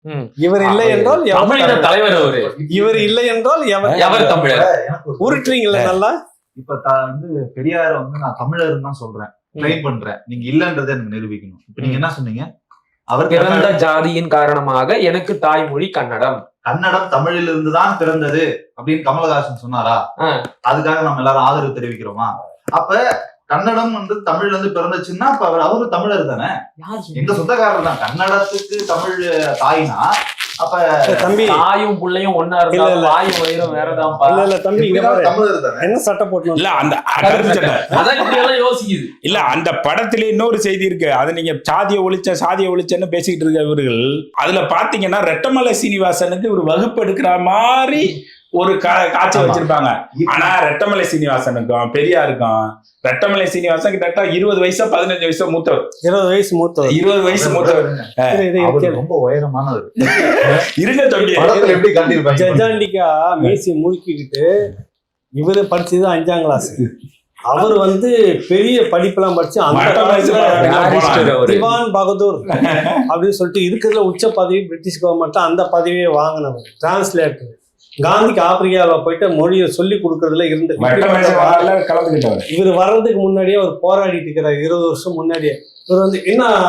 இவர் இல்லை என்றால் தமிழின தலைவர் அவரு. இவர் இல்லை என்றால் எவர் தமிழர். உருட்டுறீங்களா நல்லா? இப்ப வந்து பெரியார வந்து நான் தமிழர் தான் சொல்றேன், ட்ரெயின் பண்றேன். நீங்க இல்லன்றதை எனக்கு நிரூபிக்கணும். இப்ப நீங்க என்ன சொன்னீங்க? அவர் பிறந்த ஜாதியின் காரணமாக எனக்கு தாய்மொழி கன்னடம். கன்னடம் தமிழில் இருந்துதான் பிறந்தது அப்படின்னு கமலஹாசன் சொன்னாரா? அதுக்காக நம்ம எல்லாரும் ஆதரவு தெரிவிக்கிறோமா? அப்ப கன்னடம் வந்து தமிழ்ல இருந்து பிறந்துச்சுன்னா அப்ப அவரு தமிழர் தானே, எங்க சொந்தக்காரர் தான். கன்னடத்துக்கு தமிழ் தாய்னா அப்ப தம்பி தாயும் பிள்ளையும் ஒன்னா இருந்தா தாயும் வயிறும் வேறதான். இல்ல தம்பி தமிழர் தானே. என்ன சட்டம் போட்டு இல்ல அந்த யோசிக்குது. இல்ல அந்த படத்துல இன்னொரு செய்தி இருக்கு. அது நீங்க சாதிய ஒழிச்சன்னு பேசிக்கிட்டு இருக்க இவர்கள் அதுல பாத்தீங்கன்னா ரெட்டமலை சீனிவாசனுக்கு ஒரு வகுப்பு எடுக்கிற மாதிரி ஒரு காட்சி வச்சிருப்பாங்க. ஆனா ரெட்டமலை சீனிவாசனுக்கும் பெரியாருக்கும் ரெட்டமலை சீனிவாசன் கிட்ட 20 வயசு 15 வயசு மூத்தவர். 20 வயசு மூத்தவர். ரொம்ப உயரமானவர். இருங்க தம்பி, எப்படி கண்டிருப்பாங்க? ஜஜாண்டிக்கா மீசி முறுக்கிக்கிட்டு இவரு படிச்சது 5ஆம் கிளாஸ். அவர் வந்து பெரிய படிப்பெல்லாம் படிச்சு திவான் பகதூர் அப்படின்னு சொல்லிட்டு இருக்கிறதுல உச்ச பதவி பிரிட்டிஷ் கவர்மெண்ட் அந்த பதவியை வாங்கினவர். டிரான்ஸ்லேட்டர். காந்திக்கு ஆப்பிரிக்காவில் போயிட்டு மொழியை சொல்லி கொடுக்கறதுல இருந்து இவர் வர்றதுக்கு முன்னாடியே அவர் போராடிட்டு இருக்கிறார். 20 வருஷம் முன்னாடியே இவர் வந்து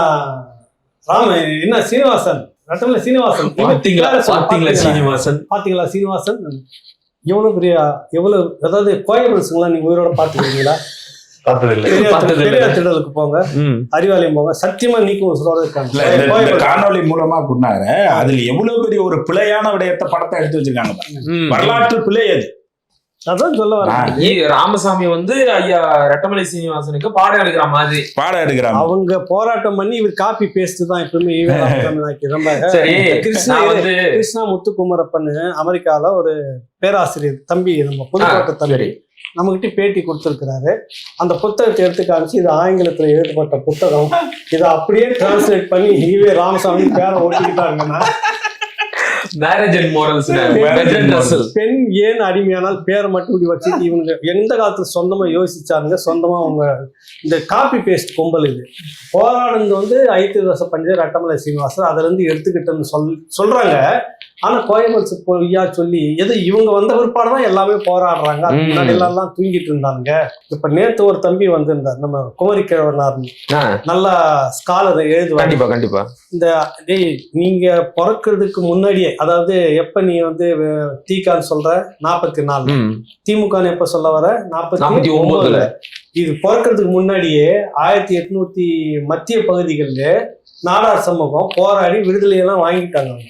என்ன சீனிவாசன், ரெட்டமலை சீனிவாசன் பாத்தீங்களா? சீனிவாசன் எவ்வளவு பெரிய அதாவது கோயம்புத்தூர்லாம் நீங்க உயிரோட பாத்துக்கிறீங்களா? திடலுக்கு போங்க, அறிவாலயம் போங்க, சத்தியமா நீக்கும் இருக்காங்க. காணொலி மூலமா சொன்னாரு. அதுல எவ்வளவு பெரிய ஒரு பிழையான விடயத்தை படத்தை எடுத்து வச்சிருக்காங்க. வரலாற்று பிழை அது. அதான் சொல்ல வர ராமசாமி வந்து ஐயா ரெட்டமலை சீனிவாசனுக்கு பாடம் எடுக்கிறாங்க. அவங்க போராட்டம் பண்ணி இவர் காப்பி பேஸ்ட் தான் எப்பவுமே. ரொம்ப கிருஷ்ணா முத்துக்குமரப்பன் அமெரிக்கால ஒரு பேராசிரியர் தம்பி, நம்ம புதுக்கோட்டை தம்பி, நம்மகிட்ட பேட்டி கொடுத்திருக்கிறாரு. அந்த புத்தகத்தை எடுத்து காமிச்சு இது ஆங்கிலத்துல எழுதப்பட்ட புத்தகம், இதை அப்படியே டிரான்ஸ்லேட் பண்ணி ஈவே ராமசாமி பேரை ஓட்டிக்கிட்டாங்கன்னா பெண் ஏன் அடிமையானால் பேரை மட்டும் இப்படி வச்சுட்டு இவங்க எந்த காலத்துல சொந்தமா யோசிச்சாருங்க. சொந்தமா அவங்க இந்த காப்பி பேஸ்ட் கும்பல் இது போராடுறது வந்து ஐத்தியதாச பண்டிதர், ரெட்டமலை சீனிவாசன் அதுல இருந்து எடுத்துக்கிட்டேன்னு சொல்றாங்க. ஆனா கோயம்புத்தூர் பொய்யா சொல்லி எது இவங்க வந்த பிற்பாடுதான் எல்லாமே போராடுறாங்க. அது முன்னாடி எல்லாம் தூங்கிட்டு இருந்தாங்க. இப்ப நேத்து ஒரு தம்பி வந்திருந்தார், நம்ம குமரி கிழவனார், நல்லா ஸ்காலர் எழுதுவாங்க. கண்டிப்பா இந்த நீங்க பிறக்கிறதுக்கு முன்னாடியே, அதாவது எப்ப நீ வந்து தீக்கான்னு சொல்ற 44, திமுக எப்ப சொல்ல வர 49, இது பிறக்கிறதுக்கு முன்னாடியே 1800 மத்திய பகுதிகளில் நாடார் சமூகம் போராடி விடுதலையெல்லாம் வாங்கிட்டாங்க.